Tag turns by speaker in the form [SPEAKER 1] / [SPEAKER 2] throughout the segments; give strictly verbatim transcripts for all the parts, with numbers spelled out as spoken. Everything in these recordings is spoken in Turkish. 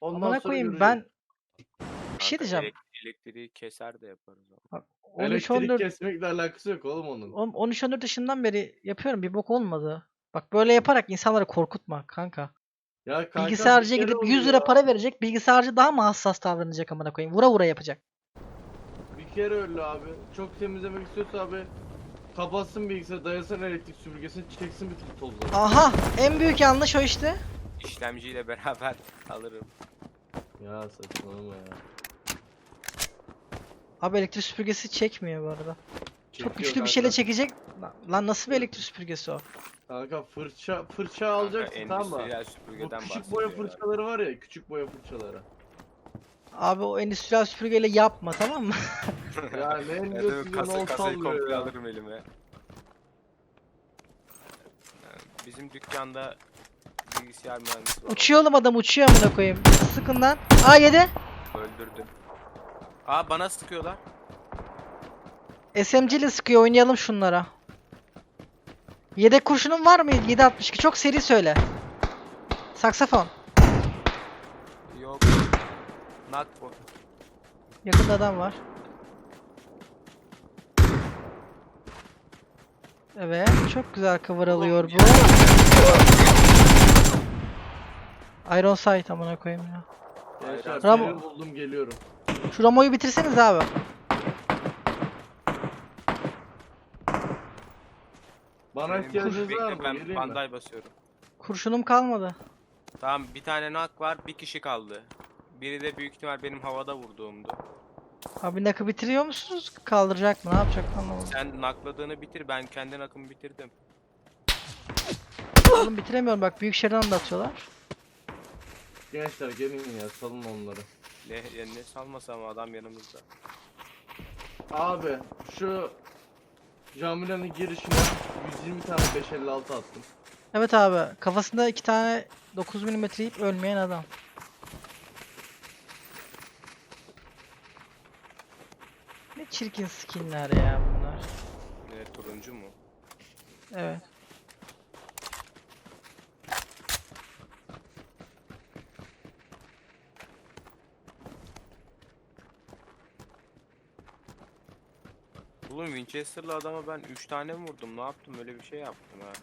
[SPEAKER 1] Ondan
[SPEAKER 2] Amına
[SPEAKER 1] sonra
[SPEAKER 2] koyayım
[SPEAKER 1] göreceğiz.
[SPEAKER 2] ben bir şey
[SPEAKER 3] Kanka
[SPEAKER 2] diyeceğim.
[SPEAKER 3] elek- elektriği keser de yaparız ama.
[SPEAKER 2] Bak, on üç
[SPEAKER 1] Elektrik
[SPEAKER 2] on dört
[SPEAKER 1] kesmekle alakası yok oğlum onun.
[SPEAKER 2] on- on üç on dört yaşından beri yapıyorum, bir bok olmadı. Bak böyle yaparak insanları korkutma kanka.
[SPEAKER 1] Ya kanka bir
[SPEAKER 2] Bilgisayarcıya
[SPEAKER 1] kere
[SPEAKER 2] gidip yüz lira
[SPEAKER 1] oluyor.
[SPEAKER 2] para verecek. Bilgisayarcı daha mı hassas davranacak amına koyayım? Vura vura yapacak.
[SPEAKER 1] Bir kere öyle abi. Çok temizlemek istiyorsa abi kapatsın bilgisayarı, dayasın elektrik süpürgesini, çeksin bütün tozları.
[SPEAKER 2] Aha, en büyük yanlış o işte.
[SPEAKER 3] İşlemciyle beraber alırım.
[SPEAKER 1] Ya saçmalama ya.
[SPEAKER 2] Abi elektrik süpürgesi çekmiyor bu arada. Çok
[SPEAKER 1] Çekiyor
[SPEAKER 2] güçlü bir
[SPEAKER 1] kanka.
[SPEAKER 2] şeyle çekecek. Lan- Lan nasıl bir elektrik süpürgesi o?
[SPEAKER 1] Kanka fırça fırça
[SPEAKER 3] Kanka
[SPEAKER 1] alacaksın tamam mı?
[SPEAKER 3] endüstriyel
[SPEAKER 1] Bu
[SPEAKER 3] süpürgeden
[SPEAKER 1] küçük boya
[SPEAKER 3] bahsediyor ya.
[SPEAKER 1] fırçaları var ya, küçük boya fırçaları.
[SPEAKER 2] Abi o endüstriyel süpürgeyle yapma, tamam mı?
[SPEAKER 1] Ya ne
[SPEAKER 3] Ben de
[SPEAKER 1] diyorsun ya,
[SPEAKER 3] kasa,
[SPEAKER 1] ne
[SPEAKER 3] kasayı
[SPEAKER 1] sallıyor
[SPEAKER 3] komple
[SPEAKER 1] ya.
[SPEAKER 3] alırım elime. Yani bizim dükkanda bilgisayar mühendisi var.
[SPEAKER 2] Uçuyor oğlum, adam uçuyor amına koyayım. Sıkın lan. Aa yedi.
[SPEAKER 3] Öldürdüm. Aa bana sıkıyorlar.
[SPEAKER 2] S M G ile sıkıyor, oynayalım şunlara. Yedek kurşunun var mı? yedi altmış iki, çok seri söyle. Saksafon.
[SPEAKER 3] Yok. Knock bu.
[SPEAKER 2] Yakında adam var. Evet, çok güzel cover alıyor bu. Iron Sight amına koyayım ya.
[SPEAKER 1] Gençler
[SPEAKER 2] Ramo-
[SPEAKER 1] seni buldum, geliyorum.
[SPEAKER 2] Şu Ramo'yu bitirseniz abi.
[SPEAKER 1] Bana
[SPEAKER 3] Benim
[SPEAKER 1] ihtiyacınız
[SPEAKER 3] bekle,
[SPEAKER 1] var mı?
[SPEAKER 3] ben
[SPEAKER 1] Geleyim mi?
[SPEAKER 3] banday basıyorum.
[SPEAKER 2] Kurşunum kalmadı.
[SPEAKER 3] Tamam bir tane knock var, bir kişi kaldı. Biri de büyük ihtimal benim havada vurduğumdu.
[SPEAKER 2] Abi nakı bitiriyor musunuz? Kaldıracak mı? Ne yapacak anlamadım.
[SPEAKER 3] Sen knockladığını bitir, ben kendi knock'ımı bitirdim.
[SPEAKER 2] Oğlum bitiremiyorum bak, büyük şeriden de atıyorlar.
[SPEAKER 1] Gençler gelin ya, salın onları.
[SPEAKER 3] Ne, ya ne salmasam adam yanımızda.
[SPEAKER 1] Abi şu Camile'nin girişine yüz yirmi tane beş elli altı attım.
[SPEAKER 2] Evet abi, kafasında iki tane dokuz milimetre yiyip ölmeyen adam. Ne çirkin skinler ya bunlar.
[SPEAKER 3] Ne turuncu mu?
[SPEAKER 2] Evet.
[SPEAKER 3] Oğlum Winchester'lı adama ben üç tane mi vurdum? Ne yaptım? Öyle bir şey yaptım ha.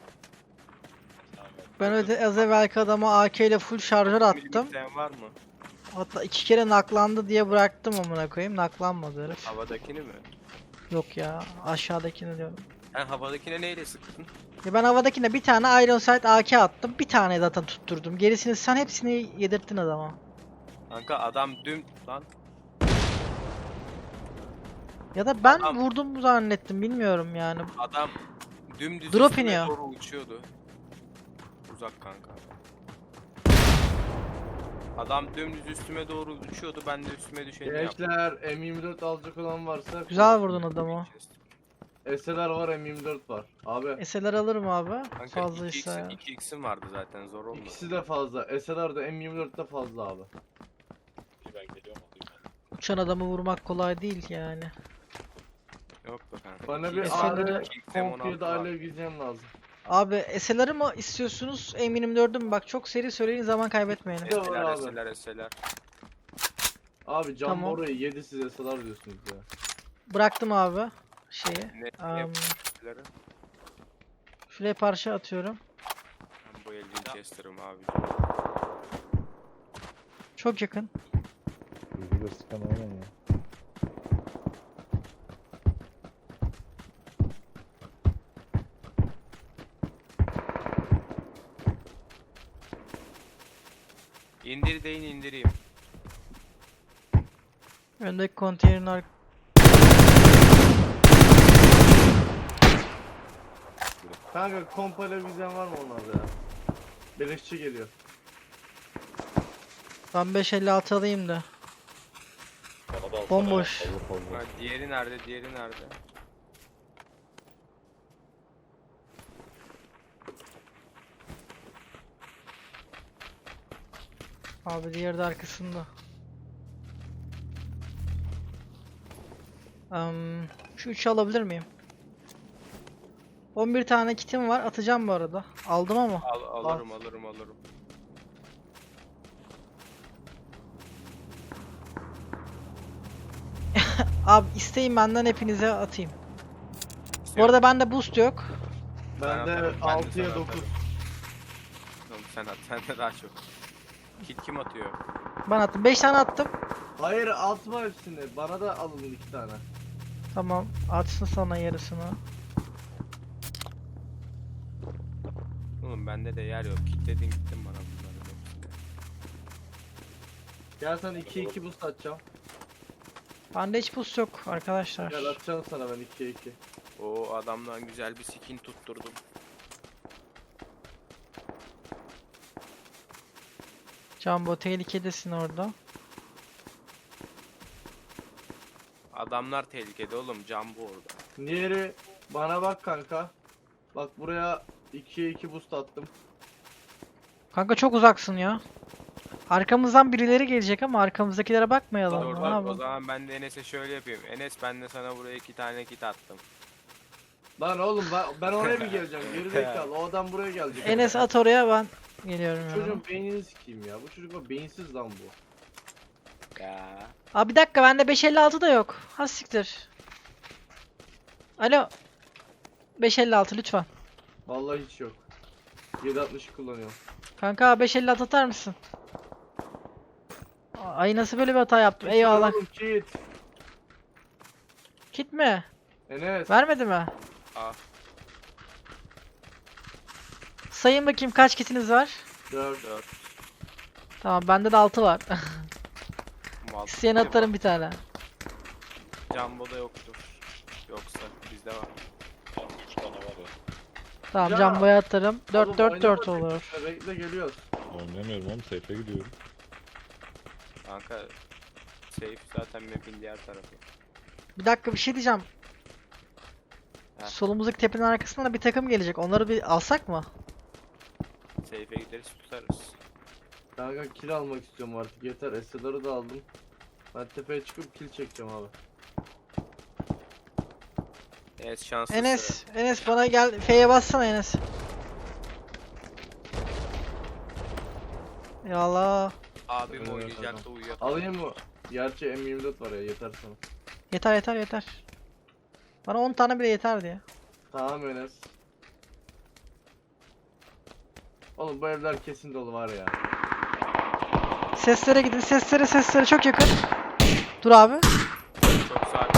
[SPEAKER 2] Ben öyle az evvelki adama A K ile full şarjör attım.
[SPEAKER 3] Milimetren var mı?
[SPEAKER 2] Hatta iki kere naklandı diye bıraktım amına koyayım. Naklanmadı herif.
[SPEAKER 3] Havadakini mi?
[SPEAKER 2] Yok ya, aşağıdakini diyorum.
[SPEAKER 3] Sen havadakine neyle sıktın?
[SPEAKER 2] Ya ben havadakine bir tane Iron Sight A K attım. Bir tane zaten tutturdum. Gerisini sen hepsini yedirttin adama.
[SPEAKER 3] Kanka adam düm... Lan
[SPEAKER 2] Ya da ben
[SPEAKER 3] Adam-
[SPEAKER 2] vurdum zannettim, bilmiyorum yani.
[SPEAKER 3] adam dümdüz
[SPEAKER 2] Drop
[SPEAKER 3] üstüme
[SPEAKER 2] iniyor.
[SPEAKER 3] doğru uçuyordu. Uzak kanka. Adam dümdüz üstüme doğru uçuyordu. Ben de üstüme düşeni yaptım.
[SPEAKER 1] Gençler M yirmi dört alacak olan varsa
[SPEAKER 2] Güzel vurdun adamı.
[SPEAKER 1] S L R var, M yirmi dört var. Abi
[SPEAKER 2] S L R alırım abi.
[SPEAKER 3] Kanka
[SPEAKER 2] Fazlaysa ya.
[SPEAKER 3] iki x'im vardı zaten, zor olmadı.
[SPEAKER 1] ikisi de fazla. S L R'da M yirmi dört de fazla abi.
[SPEAKER 4] Ben geliyorum alayım ben.
[SPEAKER 2] Uçan adamı vurmak kolay değil yani.
[SPEAKER 3] Yok be kanka.
[SPEAKER 1] Bana
[SPEAKER 3] iki
[SPEAKER 1] bir
[SPEAKER 3] x,
[SPEAKER 2] S L R
[SPEAKER 1] ağrı
[SPEAKER 3] iki x M on altı
[SPEAKER 1] kompiye de
[SPEAKER 3] var.
[SPEAKER 1] alev gideceğim lazım.
[SPEAKER 2] Abi S L R'ı mı istiyorsunuz? M yirmi dördü mü? Bak çok seri söyleyin, zaman kaybetmeyelim.
[SPEAKER 1] Evet.
[SPEAKER 3] Eseler,
[SPEAKER 1] abi.
[SPEAKER 3] eseler, eseler.
[SPEAKER 1] Abi cam
[SPEAKER 2] Tamam.
[SPEAKER 1] orayı yedi, size S L R diyorsunuz ya.
[SPEAKER 2] Bıraktım abi şeyi.
[SPEAKER 3] Ne,
[SPEAKER 2] Am,
[SPEAKER 3] ne eseleri?
[SPEAKER 2] Şuraya parça atıyorum.
[SPEAKER 3] Ben bu el Winchester'ım abi.
[SPEAKER 2] Çok yakın.
[SPEAKER 5] Yüzüyle sıkan aynen ya.
[SPEAKER 3] İndir deyin indireyim.
[SPEAKER 2] Öndeki konteynerin ar-
[SPEAKER 1] Kanka komp alev gideceğim var mı onlarda ya? Beleşçi geliyor.
[SPEAKER 2] Ben beş elli altı alayım da.
[SPEAKER 4] Bana da alsana
[SPEAKER 2] Bomboş.
[SPEAKER 4] ya. Olur olur.
[SPEAKER 3] Ha, diğeri nerede? Diğeri nerede?
[SPEAKER 2] Abi diğeri de arkasında. Am, şu üçü alabilir miyim? on bir tane kitim var, atacağım bu arada. Aldım ama.
[SPEAKER 3] Al, alırım alırım alırım.
[SPEAKER 2] Abi isteyin benden hepinize atayım. Bu
[SPEAKER 3] İstiyorum.
[SPEAKER 2] arada bende boost yok.
[SPEAKER 3] Ben
[SPEAKER 1] Bende
[SPEAKER 3] atarım, ben de
[SPEAKER 1] altıya
[SPEAKER 3] sana
[SPEAKER 1] dokuz.
[SPEAKER 3] atarım. Oğlum sen at, sen de daha çok. Kit kim atıyor?
[SPEAKER 2] Ben attım. beş tane attım.
[SPEAKER 1] Hayır atma hepsini. Bana da alın iki tane.
[SPEAKER 2] Tamam. Atsın sana yarısını.
[SPEAKER 3] Oğlum bende de yer yok. Kitledin gittin bana bunların hepsini.
[SPEAKER 1] Gel sana iki iki boost atacağım.
[SPEAKER 2] Bende hiç boost yok arkadaşlar.
[SPEAKER 1] Gel atacağım sana ben iki iki.
[SPEAKER 3] O adamdan güzel bir skin tutturdum.
[SPEAKER 2] Jumbo tehlikedesin orada.
[SPEAKER 3] Adamlar tehlikede oğlum. Jumbo orada.
[SPEAKER 1] Diğeri bana bak kanka. Bak buraya ikiye iki boost attım.
[SPEAKER 2] Kanka çok uzaksın ya. Arkamızdan birileri gelecek ama arkamızdakilere bakmayalım.
[SPEAKER 3] Dur
[SPEAKER 2] Ne
[SPEAKER 3] bak o
[SPEAKER 2] yapalım?
[SPEAKER 3] zaman ben de Enes'e şöyle yapayım. Enes ben de sana buraya iki tane kit attım.
[SPEAKER 1] Lan oğlum ben, ben oraya bir geleceğim. Geri zekalı. O adam buraya gelecek.
[SPEAKER 2] Enes at oraya, ben geliyorum ya.
[SPEAKER 1] Çocuğun beynini sikeyim ya. Bu çocuk bak beyinsiz lan bu.
[SPEAKER 3] Ya.
[SPEAKER 2] Abi bir dakika, bende beş elli altı da yok. Ha siktir. Alo. beş elli altı lütfen.
[SPEAKER 1] Vallahi hiç yok. yedi altmış kullanıyorum.
[SPEAKER 2] Kanka beş elli altı atar mısın? Ay nasıl böyle bir hata yaptım? Eyvallah.
[SPEAKER 1] Oğlum, Kit.
[SPEAKER 2] Kit mi?
[SPEAKER 1] Enes.
[SPEAKER 2] Vermedi mi?
[SPEAKER 3] Aa.
[SPEAKER 2] Sayın bakayım kaç kitiniz var?
[SPEAKER 1] dört.
[SPEAKER 3] Dört.
[SPEAKER 2] Tamam, bende de altı var.
[SPEAKER 3] Mal.
[SPEAKER 2] İsteyen atarım bir tane.
[SPEAKER 3] Jumbo'da yoktur. Yoksa bizde var.
[SPEAKER 4] Yani üç tane var ya.
[SPEAKER 2] Tamam,
[SPEAKER 1] Ya.
[SPEAKER 2] Jumbo'ya atarım. dört
[SPEAKER 1] Oğlum,
[SPEAKER 2] dört dört
[SPEAKER 1] oynama
[SPEAKER 2] olur.
[SPEAKER 1] tekrar, Bekle geliyoruz.
[SPEAKER 4] Oynamıyorum oğlum. Safe'e gidiyorum.
[SPEAKER 3] Kanka safe zaten map'in diğer tarafı.
[SPEAKER 2] Bir dakika, bir şey diyeceğim.
[SPEAKER 3] Heh.
[SPEAKER 2] Solumuzdaki tepenin arkasından da bir takım gelecek. Onları bir alsak mı?
[SPEAKER 3] Safe'e gideriz tutarız.
[SPEAKER 1] Kanka kill almak istiyorum artık. Yeter. S L'ları da aldım. Ben tepeye çıkıp kill çekeceğim abi.
[SPEAKER 3] Enes şanslısı.
[SPEAKER 2] Enes, Enes bana gel. F'ye bassana Enes. Yallah.
[SPEAKER 3] Abim
[SPEAKER 1] Evet,
[SPEAKER 3] oynayacaktı
[SPEAKER 1] tamam.
[SPEAKER 3] uyuyor.
[SPEAKER 1] Alayım mı? Gerçi M yirmi dört var ya, yeter sana.
[SPEAKER 2] Yeter yeter yeter. Bana on tane bile yeterdi ya.
[SPEAKER 1] Tamam Enes. Oğlum bu evler kesin dolu var ya.
[SPEAKER 2] Seslere gidin. Seslere seslere çok yakın. Dur abi.
[SPEAKER 3] Çok sakin.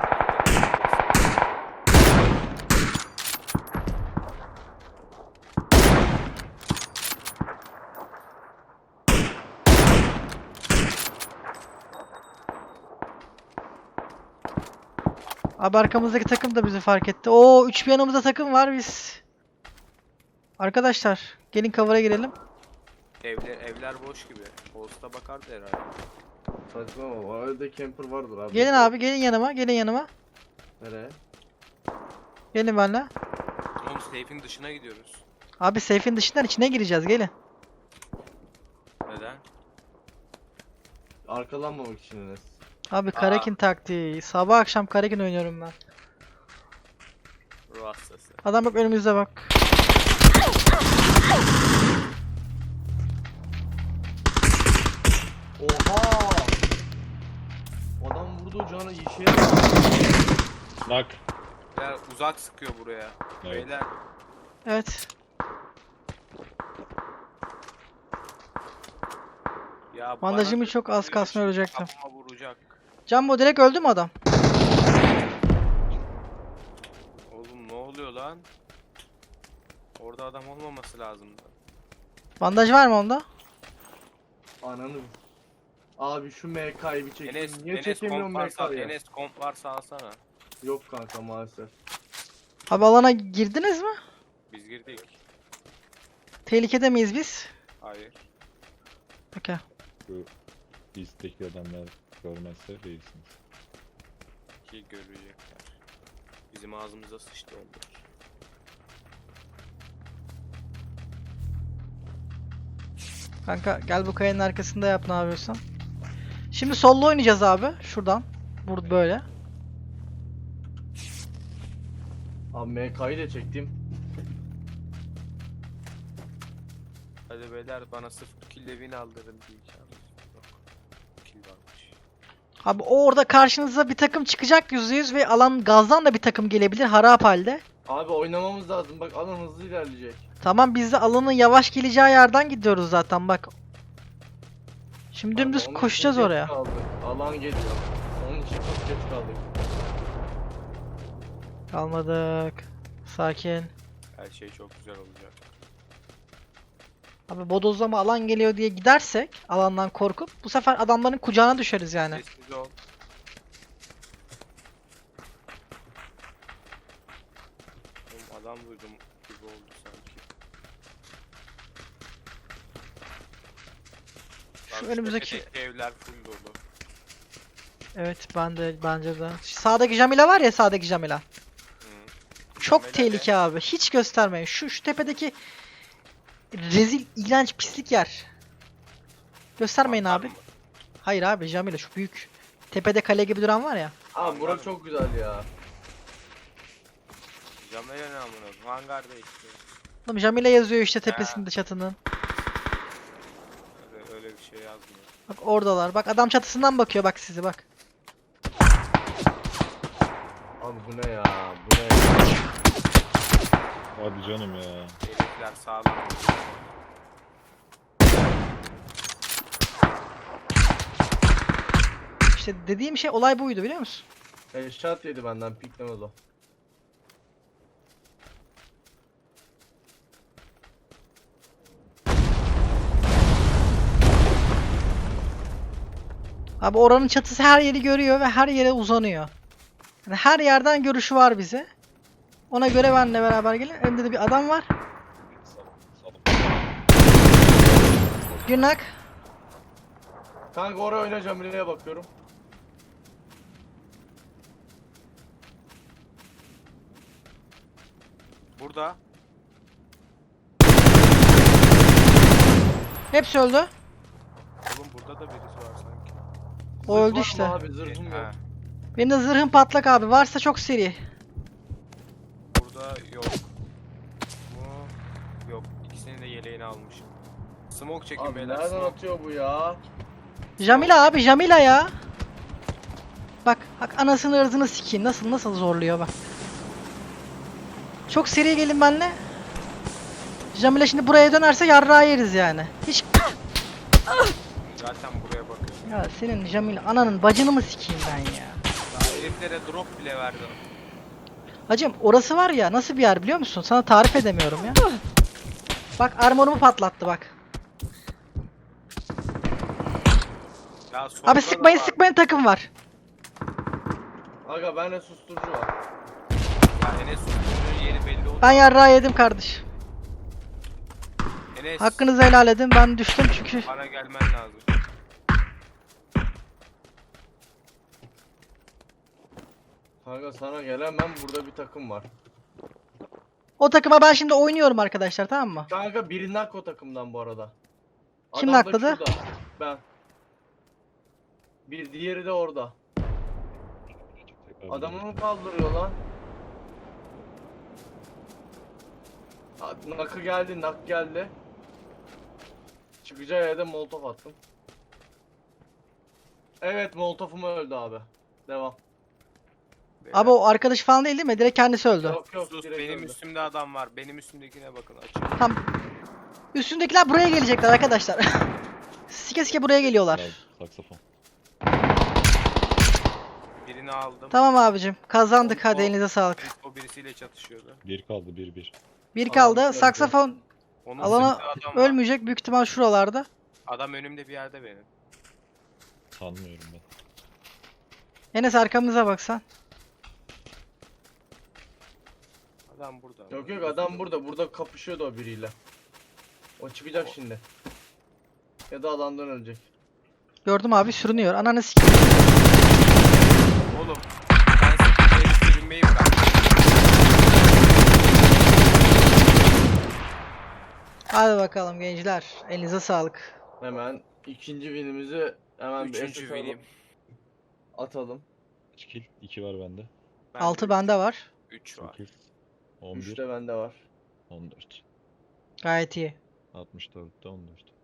[SPEAKER 2] Abi arkamızdaki takım da bizi fark etti. Oo, üç bir yanımızda takım var biz. Arkadaşlar gelin cover'a girelim.
[SPEAKER 3] Evler, evler boş gibi. Posta bakardı herhalde.
[SPEAKER 1] Saçmalama. O evde camper vardır abi.
[SPEAKER 2] Gelin abi, gelin yanıma, gelin yanıma.
[SPEAKER 1] Nereye?
[SPEAKER 2] Gelin benimle.
[SPEAKER 3] Oğlum safe'in dışına gidiyoruz.
[SPEAKER 2] Abi safe'in dışından içine gireceğiz, gelin.
[SPEAKER 3] Neden?
[SPEAKER 1] Arkalanmamak için Enes.
[SPEAKER 2] Abi Karakin taktiği. Sabah akşam Karakin oynuyorum ben.
[SPEAKER 3] Ruh hastası.
[SPEAKER 2] Adam bak önümüzde bak.
[SPEAKER 1] Oha! Adam vurduğu canı işe yarar.
[SPEAKER 4] Nak.
[SPEAKER 3] Beyler uzak sıkıyor buraya.
[SPEAKER 4] Evet.
[SPEAKER 3] Beyler
[SPEAKER 2] Evet.
[SPEAKER 3] ya
[SPEAKER 2] Bandajımı
[SPEAKER 3] bana
[SPEAKER 2] çok az kalsın, ölecektim.
[SPEAKER 3] kafama vuracak.
[SPEAKER 2] Jumbo direkt öldü mü adam?
[SPEAKER 3] Oğlum ne oluyor lan? Orada adam olmaması lazımdı.
[SPEAKER 2] Bandaj var mı onda?
[SPEAKER 1] Ananı. Abi şu M K'yı bir çekeyim.
[SPEAKER 3] Enes,
[SPEAKER 1] Niye
[SPEAKER 3] Enes
[SPEAKER 1] çekemiyorum
[SPEAKER 3] komp
[SPEAKER 1] M
[SPEAKER 3] varsa,
[SPEAKER 1] K'yı?
[SPEAKER 3] Enes komp varsa alsana.
[SPEAKER 1] Yok kanka maalesef.
[SPEAKER 2] Abi alana girdiniz mi?
[SPEAKER 3] Biz girdik.
[SPEAKER 2] Tehlikede miyiz biz?
[SPEAKER 3] Hayır.
[SPEAKER 2] Okey.
[SPEAKER 4] Şu listedeki adamlar görmezse değilsiniz.
[SPEAKER 3] Ki görecekler. Bizim ağzımıza sıçtı onlar.
[SPEAKER 2] Kanka gel bu kayanın arkasında yap ne yapıyorsan. Şimdi sollu oynayacağız abi. Şuradan. Burada böyle.
[SPEAKER 1] Abi M K'yı da çektim.
[SPEAKER 3] Hadi beyler bana sırf kill evini aldırın diyeceğim. Yok. Kill varmış.
[SPEAKER 2] Abi o orada karşınıza bir takım çıkacak yüzde yüz ve alan gazdan da bir takım gelebilir harap halde.
[SPEAKER 1] Abi oynamamız lazım. Bak alan hızlı ilerleyecek.
[SPEAKER 2] Tamam biz de alanın yavaş geleceği yerden gidiyoruz zaten bak. Şimdi
[SPEAKER 1] Abi,
[SPEAKER 2] dümdüz
[SPEAKER 1] onun için
[SPEAKER 2] koşacağız
[SPEAKER 1] geç
[SPEAKER 2] oraya.
[SPEAKER 1] kaldık. Alan geliyor. Onun için çok geç kaldık.
[SPEAKER 2] Kalmadık. Sakin.
[SPEAKER 3] Her şey çok güzel olacak.
[SPEAKER 2] Abi bodozlama alan geliyor diye gidersek alandan korkup bu sefer adamların kucağına düşeriz yani.
[SPEAKER 3] Sessiz ol. Oğlum adam duydum gibi oldu sanki.
[SPEAKER 2] Şu
[SPEAKER 3] Bak,
[SPEAKER 2] önümüzdeki
[SPEAKER 3] tepedeki evler full dolu.
[SPEAKER 2] evet ben de bence de. Şu sağdaki Jamila var ya sağdaki Jamila.
[SPEAKER 3] Hı.
[SPEAKER 2] Çok
[SPEAKER 3] Jamila
[SPEAKER 2] tehlike abi. Hiç göstermeyin. Şu şu tepedeki rezil, iğrenç, pislik yer. Göstermeyin
[SPEAKER 3] Mantar
[SPEAKER 2] abi.
[SPEAKER 3] mı?
[SPEAKER 2] Hayır abi Jamila şu büyük tepede kale gibi duran var ya.
[SPEAKER 1] Abi bura çok güzel ya.
[SPEAKER 3] Jamila ne amına koyayım? Hangarda işte.
[SPEAKER 2] Oğlum Jamila yazıyor işte tepesinde çatının.
[SPEAKER 3] Öyle, öyle bir şey yazmıyor.
[SPEAKER 2] Bak oradalar. Bak adam çatısından bakıyor bak sizi bak.
[SPEAKER 1] Abi bu ne ya? Bu ne ya?
[SPEAKER 4] Hadi canım ya.
[SPEAKER 3] Herifler sağlam.
[SPEAKER 2] İşte dediğim şey olay buydu biliyor musun?
[SPEAKER 1] Headshot yedi benden piklemez o.
[SPEAKER 2] Abi oranın çatısı her yeri görüyor ve her yere uzanıyor. Yani her yerden görüşü var bize. Ona göre benle beraber gelin. Önümde de bir adam var. Günlük.
[SPEAKER 1] Kanka oraya oynayacağım. Nereye bakıyorum?
[SPEAKER 3] Burada.
[SPEAKER 2] Hepsi öldü.
[SPEAKER 3] Oğlum burada da birisi var sanki.
[SPEAKER 2] O
[SPEAKER 1] Zırh
[SPEAKER 2] öldü
[SPEAKER 1] var mı
[SPEAKER 2] işte.
[SPEAKER 1] Abi zırhım yok.
[SPEAKER 3] Ha,
[SPEAKER 2] Benim de zırhım patlak abi. Varsa çok seri.
[SPEAKER 3] burada yok. Bu yok. İkisinin de yeleğini almışım. Smoke çekin
[SPEAKER 1] Abi
[SPEAKER 3] beyler.
[SPEAKER 1] nereden
[SPEAKER 3] Smoke.
[SPEAKER 1] atıyor bu ya?
[SPEAKER 2] Jamila abi Jamila ya. Bak bak anasını ırzını sikeyim. Nasıl nasıl zorluyor bak. Çok seri gelin benimle. Jamila şimdi buraya dönerse yarrağı yeriz yani. Hiç
[SPEAKER 3] Zaten buraya bakıyorum.
[SPEAKER 2] ya senin Jamila ananın bacını mı sikeyim ben ya.
[SPEAKER 3] Daha heriflere drop bile verdim.
[SPEAKER 2] Hacım orası var ya nasıl bir yer biliyor musun? Sana tarif edemiyorum ya. Bak armorumu patlattı bak.
[SPEAKER 3] Ya solda
[SPEAKER 2] Abi
[SPEAKER 3] da
[SPEAKER 2] sıkmayın
[SPEAKER 3] var.
[SPEAKER 2] sıkmayın takım var.
[SPEAKER 1] Aga bende susturucu var.
[SPEAKER 3] Ya Enes susturucunun yeri belli oldu.
[SPEAKER 2] Ben yarrağı yedim kardeş.
[SPEAKER 3] Enes
[SPEAKER 2] Hakkınızı helal edin. Ben düştüm çünkü.
[SPEAKER 3] bana gelmen lazım.
[SPEAKER 1] Kanka sana gelemem, burada bir takım var.
[SPEAKER 2] O takıma ben şimdi oynuyorum arkadaşlar tamam mı?
[SPEAKER 1] Kanka biri nak o takımdan bu arada.
[SPEAKER 2] Kim
[SPEAKER 1] Adam da
[SPEAKER 2] nakladı?
[SPEAKER 1] şurada, Ben. Bir diğeri de orada. Adamı mı kaldırıyor lan? Ha, Nakı geldi, nak geldi. Çıkacağı yerde molotof attım. Evet, molotofum öldü abi. Devam.
[SPEAKER 3] Beyler,
[SPEAKER 2] Abi o arkadaş falan değil değil mi? Direkt kendisi öldü.
[SPEAKER 1] Yok yok,
[SPEAKER 3] sus,
[SPEAKER 1] direkt
[SPEAKER 3] benim
[SPEAKER 1] öldü.
[SPEAKER 3] üstümde adam var. Benim üstümdekine bakın açık.
[SPEAKER 2] Tam üstündekiler buraya gelecekler arkadaşlar. Sike sike buraya geliyorlar.
[SPEAKER 4] Saksafon.
[SPEAKER 3] Birini aldım.
[SPEAKER 2] Tamam abicim. Kazandık hadi
[SPEAKER 3] O-
[SPEAKER 2] elinize sağlık.
[SPEAKER 3] O birisiyle çatışıyordu.
[SPEAKER 4] Bir kaldı bir bir.
[SPEAKER 2] Bir
[SPEAKER 1] Tamam,
[SPEAKER 2] kaldı.
[SPEAKER 1] öldü.
[SPEAKER 2] Saksafon
[SPEAKER 3] Onun
[SPEAKER 2] alana
[SPEAKER 3] sırtında adam var.
[SPEAKER 2] ölmeyecek büyük ihtimal şuralarda.
[SPEAKER 3] Adam önümde bir yerde benim.
[SPEAKER 4] Sanmıyorum ben.
[SPEAKER 2] Enes arkamıza baksan.
[SPEAKER 3] Adam burada.
[SPEAKER 1] Yok yok, adam burada. Burada kapışıyordu o biriyle. O çıkacak şimdi. Ya da alandan ölecek.
[SPEAKER 2] Gördüm abi sürünüyor. Ananı sikeyim.
[SPEAKER 3] Oğlum ben size sürünmeyi bırak.
[SPEAKER 2] Hadi bakalım gençler. Elinize sağlık.
[SPEAKER 1] Hemen ikinci winimizi hemen bir
[SPEAKER 3] Üçüncü
[SPEAKER 1] S S alalım,
[SPEAKER 3] benim.
[SPEAKER 1] atalım.
[SPEAKER 4] kaç kill? iki var bende.
[SPEAKER 2] altı bende var.
[SPEAKER 3] üç var.
[SPEAKER 4] sekiz. on
[SPEAKER 1] üç
[SPEAKER 4] bir.
[SPEAKER 1] de bende var.
[SPEAKER 4] on dört.
[SPEAKER 2] Gayet iyi.
[SPEAKER 4] altmış dörtte on dört.